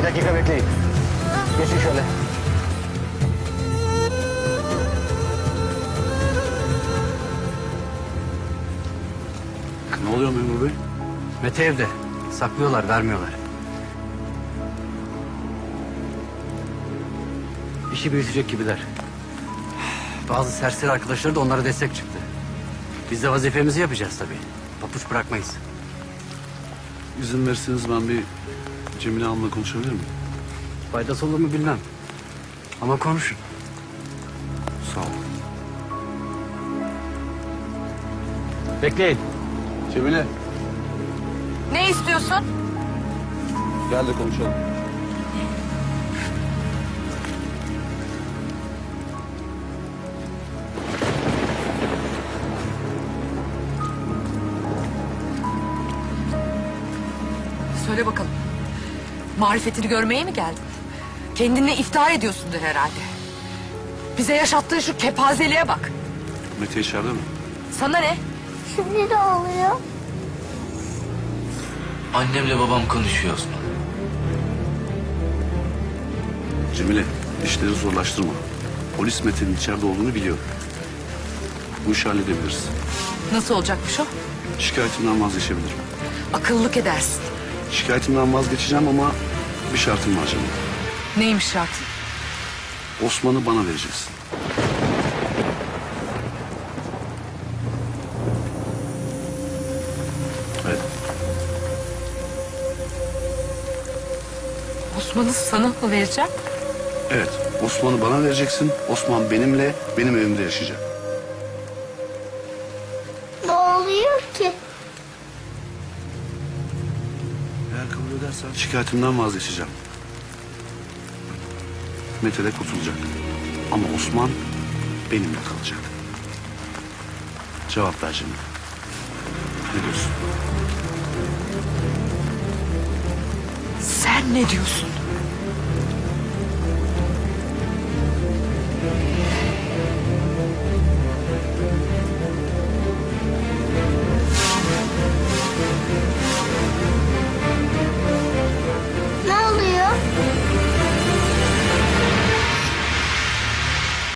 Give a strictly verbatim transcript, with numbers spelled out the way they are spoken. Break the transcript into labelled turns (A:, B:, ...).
A: dakika bekleyin. Geçin şöyle.
B: Ne oluyor memur bey?
C: Mete evde. Saklıyorlar, vermiyorlar. İşi büyütecek gibiler. Bazı serseri arkadaşları da onlara destek çıktı. Biz de vazifemizi yapacağız tabii. Papuç bırakmayız.
B: İzin verirseniz ben bir Cemile Hanım'la konuşabilir miyim?
C: Faydası olur mu bilmem. Ama konuşun.
B: Sağ olun.
C: Bekleyin.
B: Cemile
D: Ne istiyorsun?
B: gel de konuşalım.
D: Söyle bakalım. Marifetini görmeye mi geldin? Kendinle iftihar ediyorsundur herhalde. Bize yaşattığın şu kepazeliğe bak.
B: Mete içeride mi?
D: Sana ne?
E: Şimdi ne oluyor?
F: Annemle babam konuşuyor Osman.
B: Cemile işleri zorlaştırma. Polis Mete'nin içeride olduğunu biliyor. Bu işi halledebiliriz.
D: Nasıl olacakmış o?
B: Şikayetimden vazgeçebilirim.
D: Akıllık edersin.
B: Şikayetimden vazgeçeceğim ama bir şartım var Cemile.
D: Neymiş şartın?
B: Osman'ı bana vereceksin. Evet.
D: Osman'ı sana mı vereceğim?
B: Evet. Osman'ı bana vereceksin. Osman benimle, benim evimde yaşayacak.
E: Ne oluyor ki?
B: Eğer kabul edersen şikayetimden vazgeçeceğim. Mete de kurtulacak. Ama Osman benimle kalacak. Cevap ver Cemile. Ne diyorsun?
D: Sen ne diyorsun?